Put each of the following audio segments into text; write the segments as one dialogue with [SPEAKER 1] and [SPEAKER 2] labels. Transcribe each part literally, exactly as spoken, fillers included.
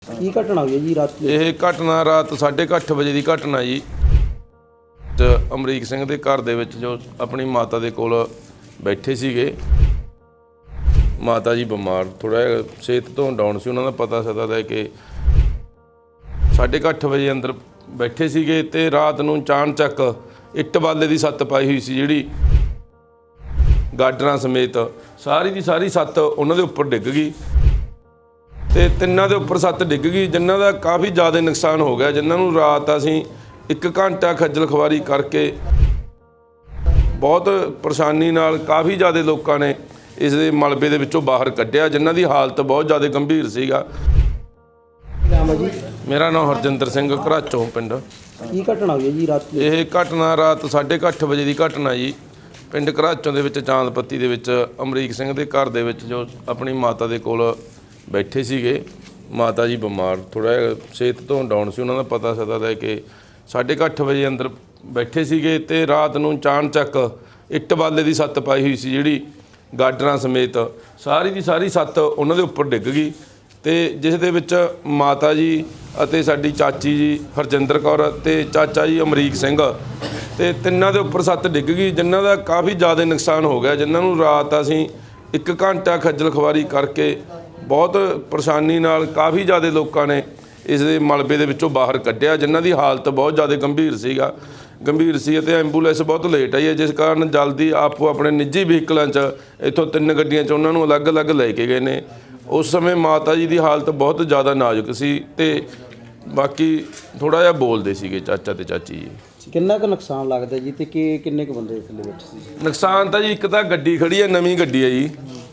[SPEAKER 1] ਕੀ ਘਟਨਾ ਹੋਈ ਹੈ ਜੀ ਰਾਤ?
[SPEAKER 2] ਇਹ ਘਟਨਾ ਰਾਤ ਸਾਢੇ ਕੁ ਅੱਠ ਵਜੇ ਦੀ ਘਟਨਾ ਜੀ। ਤੇ ਅਮਰੀਕ ਸਿੰਘ ਦੇ ਘਰ ਦੇ ਵਿੱਚ ਜੋ ਆਪਣੀ ਮਾਤਾ ਦੇ ਕੋਲ ਬੈਠੇ ਸੀਗੇ। ਮਾਤਾ ਜੀ ਬਿਮਾਰ ਥੋੜਾ ਜਿਹਾ ਸਿਹਤ ਤੋਂ ਡਾਊਨ ਸੀ, ਉਹਨਾਂ ਦਾ ਪਤਾ ਸਦਾ ਲੈ ਕੇ ਸਾਢੇ ਕੁ ਅੱਠ ਵਜੇ ਅੰਦਰ ਬੈਠੇ ਸੀਗੇ ਤੇ ਰਾਤ ਨੂੰ ਚਾਣਚੱਕ ਇੱਟ ਬਾਲੇ ਦੀ ਸੱਤ ਪਾਈ ਹੋਈ ਸੀ, ਜਿਹੜੀ ਗਾਡਰਾਂ ਸਮੇਤ ਸਾਰੀ ਦੀ ਸਾਰੀ ਸੱਤ ਉਹਨਾਂ ਦੇ ਉੱਪਰ ਡਿੱਗ ਗਈ ਤੇ ਤਿੰਨਾਂ ਦੇ ਉੱਪਰ ਸੱਤ ਡਿੱਗ ਗਈ, ਜਿਨ੍ਹਾਂ ਦਾ ਕਾਫੀ ਜ਼ਿਆਦਾ ਨੁਕਸਾਨ ਹੋ ਗਿਆ, ਜਿਨ੍ਹਾਂ ਨੂੰ ਰਾਤ ਅਸੀਂ ਇੱਕ ਘੰਟਾ ਖੱਜਲ ਖਵਾਰੀ ਕਰਕੇ ਬਹੁਤ ਪਰੇਸ਼ਾਨੀ ਨਾਲ ਕਾਫੀ ਜ਼ਿਆਦਾ ਲੋਕਾਂ ਨੇ ਇਸ ਦੇ ਮਲਬੇ ਦੇ ਵਿੱਚੋਂ ਬਾਹਰ ਕੱਢਿਆ, ਜਿਨ੍ਹਾਂ ਦੀ ਹਾਲਤ ਬਹੁਤ ਜ਼ਿਆਦਾ ਗੰਭੀਰ ਸੀਗਾ। ਮੇਰਾ ਨਾਮ ਹਰਜਿੰਦਰ ਸਿੰਘ, ਘਰਾਚੋਂ ਪਿੰਡ।
[SPEAKER 1] ਕੀ ਘਟਨਾ ਹੋਈ ਹੈ ਜੀ ਰਾਤ?
[SPEAKER 2] ਇਹ ਘਟਨਾ ਰਾਤ ਸਾਢੇ ਕੁ ਅੱਠ ਵਜੇ ਦੀ ਘਟਨਾ ਜੀ। ਪਿੰਡ ਘਰਾਚੋਂ ਦੇ ਵਿੱਚ ਚਾਂਦਪੱਤੀ ਦੇ ਵਿੱਚ ਅਮਰੀਕ ਸਿੰਘ ਦੇ ਘਰ ਦੇ ਵਿੱਚ ਜੋ ਆਪਣੀ ਮਾਤਾ ਦੇ ਕੋਲ ਬੈਠੇ ਸੀਗੇ। ਮਾਤਾ ਜੀ ਬਿਮਾਰ ਥੋੜਾ ਜਿਹਾ ਸਿਹਤ ਤੋਂ ਡਾਊਨ ਸੀ, ਉਹਨਾਂ ਦਾ ਪਤਾ ਸਦਾ ਲੈ ਕੇ ਸਾਢੇ ਕੁ ਅੱਠ ਵਜੇ ਅੰਦਰ ਬੈਠੇ ਸੀਗੇ ਤੇ ਰਾਤ ਨੂੰ ਚਾਣਚੱਕ ਇੱਟ ਬਾਲੇ ਦੀ ਸੱਤ ਪਾਈ ਹੋਈ ਸੀ, ਜਿਹੜੀ ਗਾਡਰਾਂ ਸਮੇਤ ਸਾਰੀ ਦੀ ਸਾਰੀ ਸੱਤ ਉਹਨਾਂ ਦੇ ਉੱਪਰ ਡਿੱਗ ਗਈ ਤੇ ਜਿਸ ਦੇ ਵਿੱਚ ਮਾਤਾ ਜੀ ਅਤੇ ਸਾਡੀ ਚਾਚੀ ਜੀ ਹਰਜਿੰਦਰ ਕੌਰ ਤੇ ਚਾਚਾ ਜੀ ਅਮਰੀਕ ਸਿੰਘ ਤੇ ਤਿੰਨਾਂ ਦੇ ਉੱਪਰ ਸੱਤ ਡਿੱਗ ਗਈ, ਜਿਨ੍ਹਾਂ ਦਾ ਕਾਫੀ ਜ਼ਿਆਦਾ ਨੁਕਸਾਨ ਹੋ ਗਿਆ, ਜਿਨ੍ਹਾਂ ਨੂੰ ਰਾਤ ਅਸੀਂ ਇੱਕ ਘੰਟਾ ਖੱਜਲ ਖਵਾਰੀ ਕਰਕੇ ਬਹੁਤ ਪਰੇਸ਼ਾਨੀ ਨਾਲ ਕਾਫੀ ਜ਼ਿਆਦਾ ਲੋਕਾਂ ਨੇ ਇਸ ਦੇ ਮਲਬੇ ਦੇ ਵਿੱਚੋਂ ਬਾਹਰ ਕੱਢਿਆ, ਜਿਨ੍ਹਾਂ ਦੀ ਹਾਲਤ ਬਹੁਤ ਜ਼ਿਆਦਾ ਗੰਭੀਰ ਸੀਗਾ ਗੰਭੀਰ ਸੀ ਅਤੇ ਐਂਬੂਲੈਂਸ ਬਹੁਤ ਲੇਟ ਆਈ ਹੈ, ਜਿਸ ਕਾਰਨ ਜਲਦੀ ਆਪੋ ਆਪਣੇ ਨਿੱਜੀ ਵਹੀਕਲਾਂ 'ਚ ਇੱਥੋਂ ਤਿੰਨ ਗੱਡੀਆਂ 'ਚ ਉਹਨਾਂ ਨੂੰ ਅਲੱਗ-ਅਲੱਗ ਲੈ ਕੇ ਗਏ ਨੇ। ਉਸ ਸਮੇਂ ਮਾਤਾ ਜੀ ਦੀ ਹਾਲਤ ਬਹੁਤ ਜ਼ਿਆਦਾ ਨਾਜ਼ੁਕ ਸੀ ਤੇ ਬਾਕੀ ਥੋੜ੍ਹਾ ਜਿਹਾ ਬੋਲਦੇ ਸੀਗੇ ਚਾਚਾ ਤੇ ਚਾਚੀ ਜੀ।
[SPEAKER 1] ਕਿੰਨਾ ਕੁ ਨੁਕਸਾਨ ਲੱਗਦਾ ਜੀ ਤੇ ਕਿ ਕਿੰਨੇ ਕੁ ਬੰਦੇ ਥੱਲੇ ਬੈਠੇ ਸੀ?
[SPEAKER 2] ਨੁਕਸਾਨ ਤਾਂ ਜੀ ਇੱਕ ਤਾਂ ਗੱਡੀ ਖੜੀ ਹੈ, ਨਵੀਂ ਗੱਡੀ ਹੈ ਜੀ,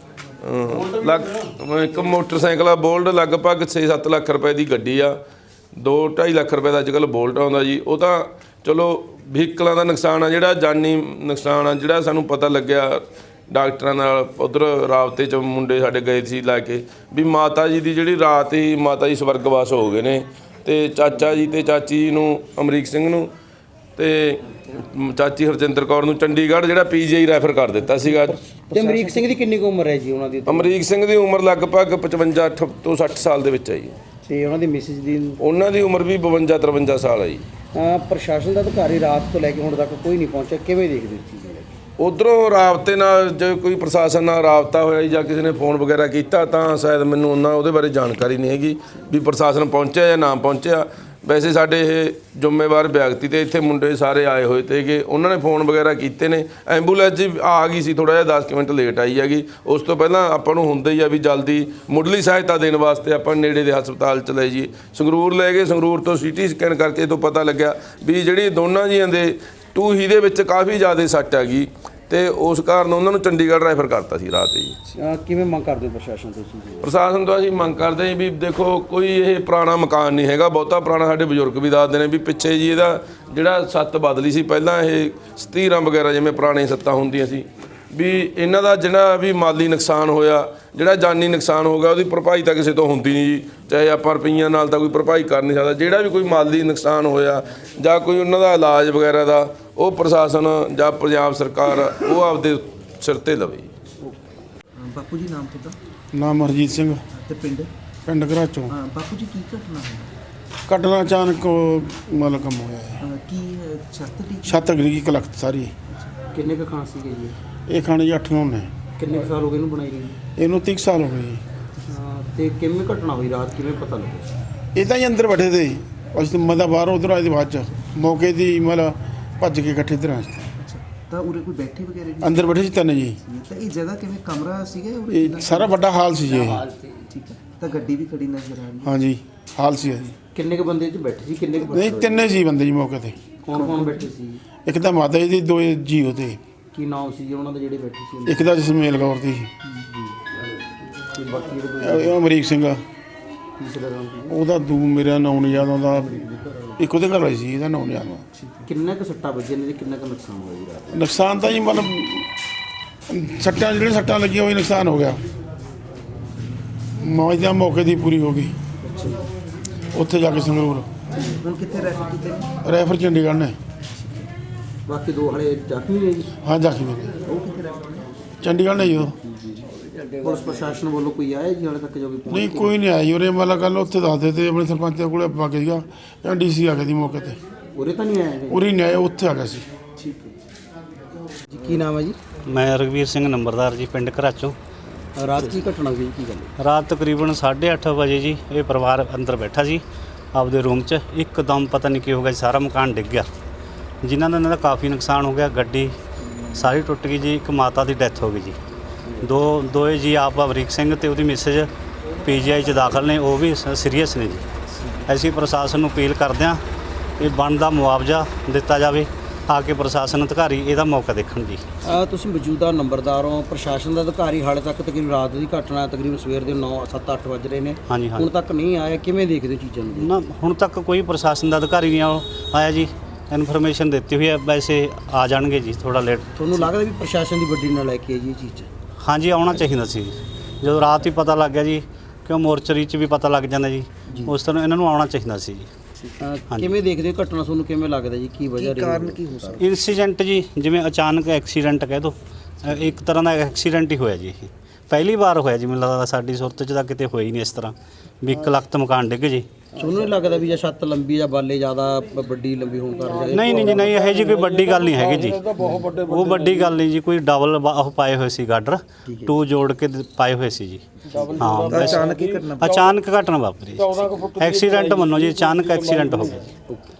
[SPEAKER 2] ਲੱਗ ਇੱਕ ਮੋਟਰਸਾਈਕਲ ਆ ਬੋਲਟ, ਲਗਭਗ ਛੇ ਸੱਤ ਲੱਖ ਰੁਪਏ ਦੀ ਗੱਡੀ ਆ। ਦੋ ਢਾਈ ਲੱਖ ਰੁਪਏ ਦਾ ਅੱਜ ਕੱਲ੍ਹ ਬੋਲਟ ਆਉਂਦਾ ਜੀ। ਉਹ ਤਾਂ ਚਲੋ ਵਹੀਕਲਾਂ ਦਾ ਨੁਕਸਾਨ ਆ, ਜਿਹੜਾ ਜਾਨੀ ਨੁਕਸਾਨ ਆ ਜਿਹੜਾ ਸਾਨੂੰ ਪਤਾ ਲੱਗਿਆ ਡਾਕਟਰਾਂ ਨਾਲ ਉੱਧਰ ਰਾਬਤੇ 'ਚ ਮੁੰਡੇ ਸਾਡੇ ਗਏ ਸੀ ਲੈ ਕੇ ਵੀ ਮਾਤਾ ਜੀ ਦੀ ਜਿਹੜੀ ਰਾਤ ਹੀ ਮਾਤਾ ਜੀ ਸਵਰਗਵਾਸ ਹੋ ਗਏ ਨੇ ਤੇ ਚਾਚਾ ਜੀ ਤੇ ਚਾਚੀ ਜੀ ਨੂੰ ਅਮਰੀਕ ਸਿੰਘ ਨੂੰ ਤੇ ਚਾਚੀ ਹਰਜਿੰਦਰ ਕੌਰ ਨੂੰ ਚੰਡੀਗੜ੍ਹ ਜਿਹੜਾ ਪੀ ਜੀ ਆਈ ਰੈਫਰ ਕਰ ਦਿੱਤਾ ਸੀਗਾ।
[SPEAKER 1] ਤੇ ਅਮਰੀਕ ਸਿੰਘ ਦੀ ਕਿੰਨੀ ਕੁ ਉਮਰ ਹੈ ਜੀ ਉਹਨਾਂ ਦੀ?
[SPEAKER 2] ਅਮਰੀਕ ਸਿੰਘ ਦੀ ਉਮਰ ਲਗਭਗ ਪਚਵੰਜਾ ਤੋਂ ਸੱਠ ਸਾਲ ਦੇ ਵਿੱਚ ਹੈ ਜੀ।
[SPEAKER 1] ਤੇ ਉਹਨਾਂ ਦੀ ਮਿਸਿਸ ਦੀ?
[SPEAKER 2] ਉਹਨਾਂ ਦੀ ਉਮਰ ਵੀ ਬਵੰਜਾ ਤਰਵੰਜਾ ਸਾਲ ਹੈ ਜੀ।
[SPEAKER 1] ਪ੍ਰਸ਼ਾਸਨ ਦਾ ਅਧਿਕਾਰੀ ਰਾਤ ਤੋਂ ਲੈ ਕੇ ਹੁਣ ਤੱਕ ਕੋਈ ਨਹੀਂ ਪਹੁੰਚਿਆ, ਕਿਵੇਂ ਦੇਖਦੇ ਹੋ ਚੀਜ਼?
[SPEAKER 2] ਉੱਧਰੋਂ ਰਾਬਤੇ ਨਾਲ ਜੇ ਕੋਈ ਪ੍ਰਸ਼ਾਸਨ ਨਾਲ ਰਾਬਤਾ ਹੋਇਆ ਜਾਂ ਕਿਸੇ ਨੇ ਫੋਨ ਵਗੈਰਾ ਕੀਤਾ ਤਾਂ ਸ਼ਾਇਦ ਮੈਨੂੰ ਉਹਨਾਂ ਉਹਦੇ ਬਾਰੇ ਜਾਣਕਾਰੀ ਨਹੀਂ ਹੈਗੀ ਵੀ ਪ੍ਰਸ਼ਾਸਨ ਪਹੁੰਚਿਆ ਜਾਂ ਨਾ ਪਹੁੰਚਿਆ। ਵੈਸੇ ਸਾਡੇ ਇਹ ਜ਼ਿੰਮੇਵਾਰ ਵਿਅਕਤੀ ਤੇ ਇੱਥੇ ਮੁੰਡੇ ਸਾਰੇ ਆਏ ਹੋਏ ਤੇਗੇ, ਉਹਨਾਂ ਨੇ ਫੋਨ ਵਗੈਰਾ ਕੀਤੇ ਨੇ। ਐਂਬੂਲੈਂਸ ਜੀ ਆ ਗਈ ਸੀ, ਥੋੜ੍ਹਾ ਜਿਹਾ ਦਸ ਮਿੰਟ ਲੇਟ ਆਈ ਹੈਗੀ। ਉਸ ਤੋਂ ਪਹਿਲਾਂ ਆਪਾਂ ਨੂੰ ਹੁੰਦਾ ਹੀ ਆ ਵੀ ਜਲਦੀ ਮੁੱਢਲੀ ਸਹਾਇਤਾ ਦੇਣ ਵਾਸਤੇ ਆਪਾਂ ਨੇੜੇ ਦੇ ਹਸਪਤਾਲ 'ਚ ਲੈ ਜਾਈਏ। ਸੰਗਰੂਰ ਲੈ ਗਏ, ਸੰਗਰੂਰ ਤੋਂ ਸੀ ਟੀ ਸਕੈਨ ਕਰਕੇ ਤੋਂ ਪਤਾ ਲੱਗਿਆ ਵੀ ਜਿਹੜੀ ਦੋਨਾਂ ਜੀਆਂ ਦੇ ਟੂਹੀ ਦੇ ਵਿੱਚ ਕਾਫੀ ਜ਼ਿਆਦਾ ਸੱਟ ਹੈਗੀ ਤੇ ਉਸ ਕਾਰਨ ਉਹਨਾਂ ਨੂੰ ਚੰਡੀਗੜ੍ਹ ਰੈਫਰ ਕਰਤਾ ਸੀ ਰਾਤ ਜੀ।
[SPEAKER 1] ਕਿਵੇਂ ਮੰਗ ਕਰਦੇ ਹੋ ਪ੍ਰਸ਼ਾਸਨ ਤੋਂ?
[SPEAKER 2] ਪ੍ਰਸ਼ਾਸਨ ਤੋਂ ਅਸੀਂ ਮੰਗ ਕਰਦੇ ਹਾਂ ਵੀ ਦੇਖੋ ਕੋਈ ਇਹ ਪੁਰਾਣਾ ਮਕਾਨ ਨਹੀਂ ਹੈਗਾ, ਬਹੁਤਾ ਪੁਰਾਣਾ। ਸਾਡੇ ਬਜ਼ੁਰਗ ਵੀ ਦੱਸਦੇ ਨੇ ਵੀ ਪਿੱਛੇ ਜੀ ਇਹਦਾ ਜਿਹੜਾ ਸੱਤ ਬਦਲੀ ਸੀ, ਪਹਿਲਾਂ ਇਹ ਸਤੀਰਾਂ ਵਗੈਰਾ ਜਿਵੇਂ ਪੁਰਾਣੇ ਸੱਤਾਂ ਹੁੰਦੀਆਂ ਸੀ, ਵੀ ਇਹਨਾਂ ਦਾ ਜਿਹੜਾ ਵੀ ਮਾਲੀ ਨੁਕਸਾਨ ਹੋਇਆ, ਜਿਹੜਾ ਜਾਨੀ ਨੁਕਸਾਨ ਹੋ ਗਿਆ, ਉਹਦੀ ਭਰਪਾਈ ਤਾਂ ਕਿਸੇ ਤੋਂ ਹੁੰਦੀ ਨਹੀਂ ਜੀ। ਚਾਹੇ ਆਪਾਂ ਰੁਪਈਆਂ ਨਾਲ ਤਾਂ ਕੋਈ ਭਰਪਾਈ ਕਰ ਨਹੀਂ ਸਕਦਾ। ਜਿਹੜਾ ਵੀ ਕੋਈ ਮਾਲੀ ਨੁਕਸਾਨ ਹੋਇਆ ਜਾਂ ਕੋਈ ਉਹਨਾਂ ਦਾ ਇਲਾਜ ਵਗੈਰਾ ਦਾ, ਉਹ ਪ੍ਰਸ਼ਾਸਨ ਜਾਂ ਪੰਜਾਬ ਸਰਕਾਰ ਉਹ ਆਪਦੇ ਸਿਰ ਤੇ ਲਵੇ।
[SPEAKER 3] ਬਾਪੂ ਜੀ ਨਾਮ ਤੁਹਾਡਾ?
[SPEAKER 4] ਨਾਮ ਹਰਜੀਤ ਸਿੰਘ
[SPEAKER 3] ਤੇ ਪਿੰਡ?
[SPEAKER 4] ਪਿੰਡ ਘਰਾਚੋਂ।
[SPEAKER 3] ਹਾਂ ਬਾਪੂ ਜੀ ਕੀ ਘਟਨਾ ਹੋਈ?
[SPEAKER 4] ਘਟਨਾ ਅਚਾਨਕ ਮਤਲਬ ਕੰਮ ਹੋਇਆ ਹੈ।
[SPEAKER 3] ਕੀ ਛੱਤ ਦੀ
[SPEAKER 4] ਛੱਤ ਗਿਰ ਗਈ ਕਲਖਤ ਸਾਰੀ।
[SPEAKER 1] ਕਿੰਨੇ ਕੁ ਖਾਂ ਸੀਗੇ ਜੀ?
[SPEAKER 4] ਇਹ ਖਾਣੇ ਜੀ ਅੱਠ ਨੌਂ ਨੇ।
[SPEAKER 1] ਕਿੰਨੇ ਕੁ ਸਾਲ ਹੋ ਗਏ ਇਹਨੂੰ ਬਣਾਈ ਗਈ?
[SPEAKER 4] ਇਹਨੂੰ ਤੀਹ ਸਾਲ ਹੋ ਗਏ ਜੀ।
[SPEAKER 1] ਤੇ ਕਿਵੇਂ ਘਟਨਾ ਹੋਈ ਰਾਤ, ਕਿਵੇਂ ਪਤਾ ਲੱਗਿਆ?
[SPEAKER 4] ਇਹ ਤਾਂ ਹੀ ਅੰਦਰ ਬੈਠੇ ਤੇ ਅਸੀਂ ਮਦਾ ਬਾਹਰ ਉਧਰ ਆਏ ਦੇ ਬਾਅਦ ਚ ਮੌਕੇ ਦੀ ਮਤਲਬ ਭੱਜ ਕੇ ਇਕੱਠੇ ਇੱਧਰ ਆਏ।
[SPEAKER 3] ਤਾਂ ਉਰੇ ਕੋਈ ਬੈਠੇ ਵਗੈਰੇ ਜੀ?
[SPEAKER 4] ਅੰਦਰ ਬੈਠੇ ਸੀ ਤਿੰਨ ਜੀ।
[SPEAKER 3] ਤਾਂ ਇਹ ਜਗ੍ਹਾ ਕਿਵੇਂ ਕਮਰਾ ਸੀਗਾ ਉਰੇ?
[SPEAKER 4] ਇਹ ਸਾਰਾ ਵੱਡਾ ਹਾਲ ਸੀ ਜੀ।
[SPEAKER 3] ਠੀਕ ਹੈ, ਤਾਂ ਗੱਡੀ ਵੀ ਖੜੀ ਨਜ਼ਰ ਆ ਰਹੀ ਹੈ?
[SPEAKER 4] ਹਾਂਜੀ ਹਾਲ ਸੀ ਜੀ।
[SPEAKER 1] ਕਿੰਨੇ ਕੁ ਬੰਦੇ 'ਚ ਬੈਠੇ ਸੀ? ਕਿੰਨੇ ਕੁ
[SPEAKER 4] ਨਹੀਂ ਤਿੰਨੇ ਸੀ ਬੰਦੇ ਜੀ ਮੌਕੇ ਤੇ।
[SPEAKER 1] ਕੌਣ ਕੌਣ ਬੈਠੇ ਸੀ?
[SPEAKER 4] ਇੱਕ ਤਾਂ ਮਾਤਾ ਜੀ ਦੀ, ਦੋ ਜੀ ਉਹਦੇ।
[SPEAKER 1] ਕੀ ਨਾਮ ਸੀ ਜੀ ਉਹਨਾਂ ਦੇ ਜਿਹੜੇ ਬੈਠੇ ਸੀ?
[SPEAKER 4] ਇੱਕ ਤਾਂ ਜਸਮੇਲ ਕੌਰ ਦੀ,
[SPEAKER 1] ਤੇ ਬਾਕੀ ਜਿਹੜੇ
[SPEAKER 4] ਇਹ ਅਮਰੀਕ ਸਿੰਘ ਆ,
[SPEAKER 1] ਤੀਸਰਾ ਨਾਮ ਸੀ?
[SPEAKER 4] ਉਹਦਾ ਦੂ ਮੇਰਾ ਨਾਂ ਨਹੀਂ ਯਾਦ ਆਉਂਦਾ। ਇੱਕ ਉਹਦੇ ਘਰ ਵਾਲੀ ਸੀ, ਇਹਦਾ ਨਾਂ ਨਹੀਂ ਯਾਦ ਆਉਂਦਾ।
[SPEAKER 1] ਕਿੰਨੇ ਕੁ ਸੱਟਾਂ ਵੱਜੀਆਂ ਨੇ ਤੇ ਕਿੰਨਾ ਕੁ ਨੁਕਸਾਨ ਹੋਇਆ ਜੀ ਰਾਤ?
[SPEAKER 4] ਨੁਕਸਾਨ ਤਾਂ ਜੀ ਮਤਲਬ ਸੱਟਾਂ ਜਿਹੜੀਆਂ ਸੱਟਾਂ ਲੱਗੀਆਂ ਉਹ ਨੁਕਸਾਨ ਹੋ ਗਿਆ। ਮੌਜ ਦਾ ਮੌਕੇ ਦੀ ਪੂਰੀ ਹੋ ਗਈ। ਉੱਥੇ ਜਾ ਕੇ ਸੰਗਰੂਰ
[SPEAKER 3] ਹੁਣ ਕਿੱਥੇ ਰੈਫਰ ਕੀਤੇ?
[SPEAKER 4] ਰੈਫਰ ਚੰਡੀਗੜ੍ਹ ਨੇ।
[SPEAKER 1] ਬਾਕੀ ਦੋ ਹਲੇ ਜ਼ਖਮੀ ਨੇ ਜੀ?
[SPEAKER 4] ਹਾਂ ਜ਼ਖਮੀ ਨੇ,
[SPEAKER 3] ਉਹ ਕਿੱਥੇ ਰੈਫਰ ਨੇ?
[SPEAKER 4] ਚੰਡੀਗੜ੍ਹ ਨੇ ਜੀ ਉਹ।
[SPEAKER 1] ਪੁਲਿਸ ਪ੍ਰਸ਼ਾਸਨ ਵੱਲੋਂ ਕੋਈ ਆਇਆ ਜੀ ਹਾਲੇ ਤੱਕ ਜੋ ਵੀ ਪਹੁੰਚ
[SPEAKER 4] ਨਹੀਂ ਕੋਈ ਨਹੀਂ ਆਇਆ ਜੀ ਉਰੇ ਮਤਲਬ ਕੱਲ ਉੱਥੇ ਦੱਸਦੇ ਤੇ ਆਪਣੇ ਸਰਪੰਚ ਦੇ ਕੋਲੇ ਪਾ ਕੇ ਸੀਗਾ ਜਾਂ ਡੀਸੀ ਆ ਗਿਆ ਦੀ ਮੌਕੇ ਤੇ
[SPEAKER 1] ਉਰੇ ਤਾਂ ਨਹੀਂ ਆਇਆ ਹੈਗਾ?
[SPEAKER 4] ਉਰੇ ਨਹੀਂ ਆਇਆ ਉੱਥੇ ਆ ਗਿਆ ਸੀ।
[SPEAKER 1] ਠੀਕ ਹੈ ਜੀ। ਕੀ ਨਾਮ ਹੈ ਜੀ?
[SPEAKER 5] ਮੈਂ ਰਘਵੀਰ ਸਿੰਘ ਨੰਬਰਦਾਰ ਜੀ, ਪਿੰਡ ਘਰਾਚੋਂ।
[SPEAKER 1] ਰਾਤ ਕੀ ਘਟਨਾ ਹੋਈ, ਕੀ ਗੱਲ ਹੈ?
[SPEAKER 5] ਰਾਤ ਤਕਰੀਬਨ ਸਾਢੇ ਅੱਠ ਵਜੇ ਜੀ ਇਹ ਪਰਿਵਾਰ ਅੰਦਰ ਬੈਠਾ ਸੀ ਆਪਦੇ ਰੂਮ 'ਚ, ਇੱਕਦਮ ਪਤਾ ਨਹੀਂ ਕੀ ਹੋ ਗਿਆ ਜੀ, ਸਾਰਾ ਮਕਾਨ ਡਿੱਗ ਗਿਆ ਜਿਨ੍ਹਾਂ ਦਾ ਇਹਨਾਂ ਦਾ ਕਾਫੀ ਨੁਕਸਾਨ ਹੋ ਗਿਆ। ਗੱਡੀ ਸਾਰੀ ਟੁੱਟ ਗਈ ਜੀ। ਇੱਕ ਮਾਤਾ ਦੀ ਡੈਥ ਹੋ ਗਈ ਜੀ। ਦੋ ਦੋਏ ਜੀ ਆਪ ਅਮਰੀਕ ਸਿੰਘ ਤੇ ਉਹਦੀ ਮਿਸੇਜ ਪੀਜੀਆਈ 'ਚ ਦਾਖਲ ਨੇ, ਉਹ ਵੀ ਸੀਰੀਅਸ ਨੇ ਜੀ। ਅਸੀਂ ਪ੍ਰਸ਼ਾਸਨ ਨੂੰ ਅਪੀਲ ਕਰਦੇ ਹਾਂ ਇਹ ਬਣਦਾ ਮੁਆਵਜ਼ਾ ਦਿੱਤਾ ਜਾਵੇ, ਆ ਕੇ ਪ੍ਰਸ਼ਾਸਨ ਅਧਿਕਾਰੀ ਇਹਦਾ ਮੌਕਾ ਦੇਖਣ ਜੀ।
[SPEAKER 1] ਅਹ ਤੁਸੀਂ ਮੌਜੂਦਾ ਨੰਬਰਦਾਰ ਹੋ, ਪ੍ਰਸ਼ਾਸਨ ਦਾ ਅਧਿਕਾਰੀ ਹਾਲੇ ਤੱਕ ਤਕਰੀਬਨ ਰਾਤ ਦੀ ਘਟਨਾ ਤਕਰੀਬਨ ਸਵੇਰ ਦੇ ਨੌ ਸੱਤ ਅੱਠ ਵੱਜ ਰਹੇ ਨੇ,
[SPEAKER 5] ਹਾਂਜੀ ਹਾਂਜੀ
[SPEAKER 1] ਹੁਣ ਤੱਕ ਨਹੀਂ ਆਇਆ, ਕਿਵੇਂ ਦੇਖਦੇ ਹੋ ਚੀਜ਼ਾਂ ਨੂੰ?
[SPEAKER 5] ਨਾ ਹੁਣ ਤੱਕ ਕੋਈ ਪ੍ਰਸ਼ਾਸਨ ਦਾ ਅਧਿਕਾਰੀ ਨਹੀਂ ਆਓ- ਆਇਆ ਜੀ। ਇਨਫੋਰਮੇਸ਼ਨ ਦਿੱਤੀ ਹੋਈ ਹੈ, ਵੈਸੇ ਆ ਜਾਣਗੇ ਜੀ ਥੋੜਾ ਲੇਟ।
[SPEAKER 1] ਤੁਹਾਨੂੰ ਲੱਗਦਾ ਵੀ ਪ੍ਰਸ਼ਾਸਨ ਦੀ ਵੱਡੀ ਨਾਲ ਲੈ ਕੇ ਆਈ ਇਹ ਚੀਜ਼ 'ਚ?
[SPEAKER 5] ਹਾਂਜੀ ਆਉਣਾ ਚਾਹੀਦਾ ਸੀ ਜੀ। ਜਦੋਂ ਰਾਤ ਹੀ ਪਤਾ ਲੱਗ ਗਿਆ ਜੀ, ਕਿਉਂ ਮੋਰਚਰੀ 'ਚ ਵੀ ਪਤਾ ਲੱਗ ਜਾਂਦਾ ਜੀ, ਉਸ ਤਰ੍ਹਾਂ ਇਹਨਾਂ ਨੂੰ ਆਉਣਾ ਚਾਹੀਦਾ ਸੀ ਜੀ।
[SPEAKER 1] ਅਹ ਕਿਵੇਂ ਦੇਖਦੇ ਹੋ ਘਟਨਾ, ਤੁਹਾਨੂੰ ਕਿਵੇਂ ਲੱਗਦਾ ਜੀ, ਕੀ ਵਜ੍ਹਾ ਰਹੀ?
[SPEAKER 3] ਕਾਰਨ ਕੀ ਹੋ ਸਕਦਾ?
[SPEAKER 5] ਇਨਸੀਡੈਂਟ ਜੀ, ਜਿਵੇਂ ਅਚਾਨਕ ਐਕਸੀਡੈਂਟ ਕਹਿ ਦੋ, ਇੱਕ ਤਰ੍ਹਾਂ ਦਾ ਐਕਸੀਡੈਂਟ ਹੀ ਹੋਇਆ ਜੀ। ਇਹ ਪਹਿਲੀ ਵਾਰ ਹੋਇਆ ਜੀ, ਮੈਨੂੰ ਲੱਗਦਾ ਸਾਡੀ ਸੁਰਤ 'ਚ ਤਾਂ ਕਿਤੇ ਹੋਇਆ ਹੀ ਨਹੀਂ ਇਸ ਤਰ੍ਹਾਂ ਵੀ ਇੱਕ ਲੱਖ ਤੋਂ ਮਕਾਨ ਡਿੱਗ ਜੀ।
[SPEAKER 1] ਤੁਹਾਨੂੰ ਨਹੀਂ ਲੱਗਦਾ ਵੀ ਜੇ ਛੱਤ ਲੰਬੀ ਜਾਂ ਬਾਲੇ ਜ਼ਿਆਦਾ ਬ- ਵੱਡੀ ਲੰਬੀ ਹੋਣ ਕਾਰਨ?
[SPEAKER 5] ਨਹੀਂ ਨਹੀਂ ਜੀ, ਨਹੀਂ ਇਹੋ ਜੀ ਕੋਈ ਵੱਡੀ ਗੱਲ ਨਹੀਂ ਹੈਗੀ ਜੀ। ਉਹ ਵੱਡੀ ਗੱਲ ਨਹੀਂ ਜੀ, ਕੋਈ ਡਬਲ ਉਹ ਪਾਏ ਹੋਏ ਸੀ ਗਾਡਰ, ਟੂ ਜੋੜ ਕੇ ਦ- ਪਾਏ ਹੋਏ ਸੀ ਜੀ। ਹਾਂ ਵੈਸੇ
[SPEAKER 3] ਅਚਾਨਕ ਹੀ ਘਟਨਾ
[SPEAKER 5] ਅਚਾਨਕ ਘਟਨਾ ਵਾਪਰੀ। ਐਕਸੀਡੈਂਟ ਮੰਨੋ ਜੀ, ਅਚਾਨਕ ਐਕਸੀਡੈਂਟ ਹੋ ਗਿਆ ਜੀ।